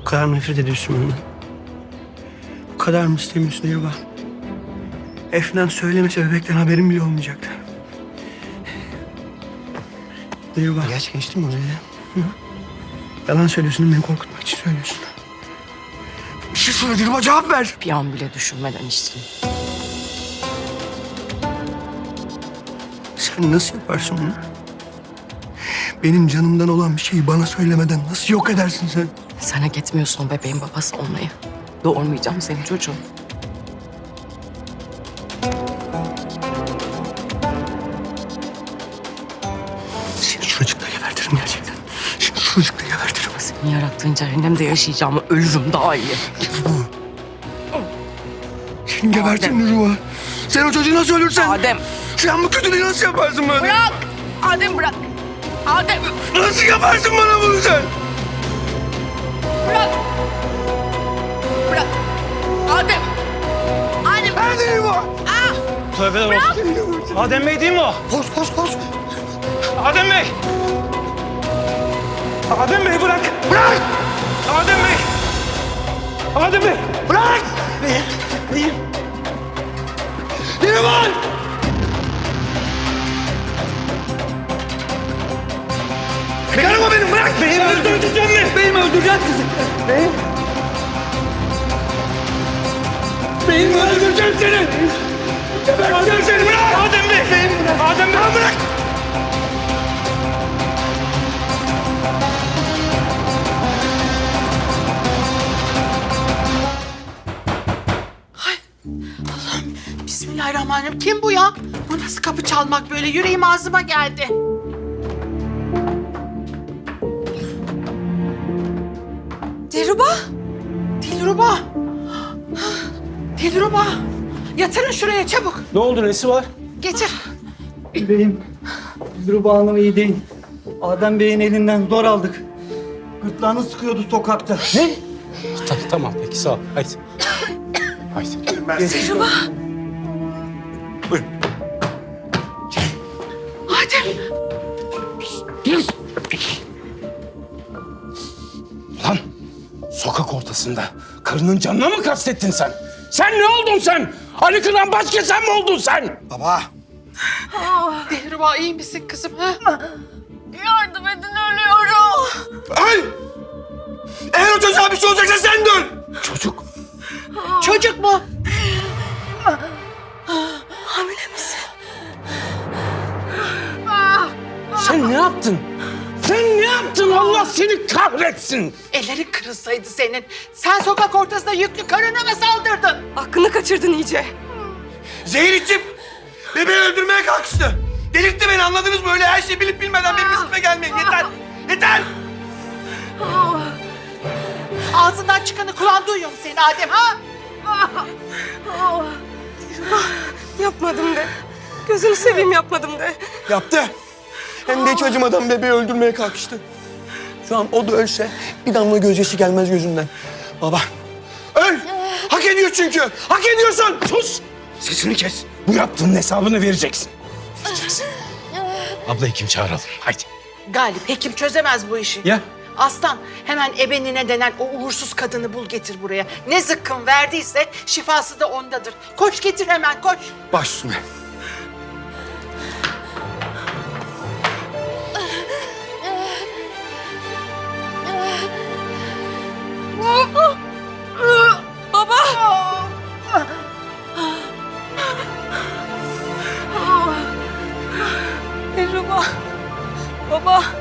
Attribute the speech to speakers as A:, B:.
A: kadar nefret ediyorsun benden? Bu kadar mı istemiyorsun Dilruba? Efnan söylemese bebekten haberim bile olmayacaktı. Dilruba. Geç geçtim oraya. Hı? Yalan söylüyorsun, beni korkutmak için söylüyorsun. Bir şey söyle Dilruba, cevap ver.
B: Bir an bile düşünmeden içtim.
A: Sen nasıl yaparsın bunu? Benim canımdan olan bir şeyi bana söylemeden nasıl yok edersin sen?
B: Sen hak etmiyorsun o bebeğin babası olmayı. Doğurmayacağım senin çocuğun.
A: Seni şuracıkta gebertirim gerçekten. Seni şuracıkta gebertirim.
B: Senin yarattığın cehennemde yaşayacağımı ölürüm daha iyi.
A: Seni gebertirim Dilruba. Sen o çocuğu nasıl ölürsen...
B: Adem.
A: Sen bu kötülüğü nasıl yaparsın bana?
B: Bırak! Adem bırak! Adem!
A: Nasıl yaparsın bana bunu sen?
B: Bırak! Bırak! Adem! Adem!
A: Nerede Dilruba?
C: Tövbeler olsun. Adem Bey değil mi o?
A: Koş koş koş.
C: Adem Bey! Adem Bey bırak!
A: Bırak!
C: Adem Bey! Adem Bey!
A: Bırak! Neyim? Dilruba! Karıma benim, bırak!
C: Beyimi öldüreceksin mi?
A: Beyimi öldüreceksin kızım. Beyim. Beyimi öldüreceğim seni. Geberteceğim seni, bırak!
C: Adem Bey! Adem Bey!
A: Bırak!
D: Bismillahirrahmanirrahim. Kim bu ya? Bu nasıl kapı çalmak böyle? Yüreğim ağzıma geldi. Dilruba. Dilruba. Dilruba. Yatırın şuraya çabuk.
C: Ne oldu, nesi var?
D: Getir.
E: Beyim, Dilruba Hanım iyi değil. Adem Bey'in elinden zor aldık. Gırtlağını sıkıyordu sokakta. Ne?
C: Tamam peki sağ ol. Haydi. Haydi.
D: Dilruba. Adem.
C: Lan sokak ortasında karının canına mı kastettin sen? Sen ne oldun sen? Ali Kıran başka sen mi oldun sen?
A: Baba.
D: Dilruba iyi misin kızım? Ha?
B: Yardım edin ölüyorum.
A: Öl! Eğer o çocuğa bir şey olacaksa sen de öl! Çocuk.
D: Çocuk mu?
C: Sen ne yaptın? Sen ne yaptın? Allah seni kahretsin.
D: Ellerin kırılsaydı senin. Sen sokak ortasında yüklü karına mı saldırdın?
B: Aklını kaçırdın iyice.
A: Zehir içip bebeği öldürmeye kalkıştı. Delirtti beni, anladınız mı? Öyle her şeyi bilip bilmeden benim üstüme gelmeyin. Yeter! Yeter!
D: Ağzından çıkanı kulağın duyuyor mu senin Adem ha?
B: Yapmadım de. Gözünü seveyim yapmadım de.
A: Yaptı. Hem de hiç acımadan bebeği öldürmeye kalkıştı. Şu an o da ölse bir damla gözyaşı gelmez gözünden. Baba, öl! Hak ediyor çünkü. Hak ediyorsun.
C: Sus! Sesini kes. Bu yaptığının hesabını vereceksin. Vereceksin. Abla hekim çağıralım. Haydi.
D: Galip hekim çözemez bu işi.
C: Ya?
D: Aslan hemen ebenine denen o uğursuz kadını bul getir buraya. Ne zıkkım verdiyse şifası da ondadır. Koş getir hemen koş.
A: Baş üstüne.
B: Baba! Dilruba! Baba!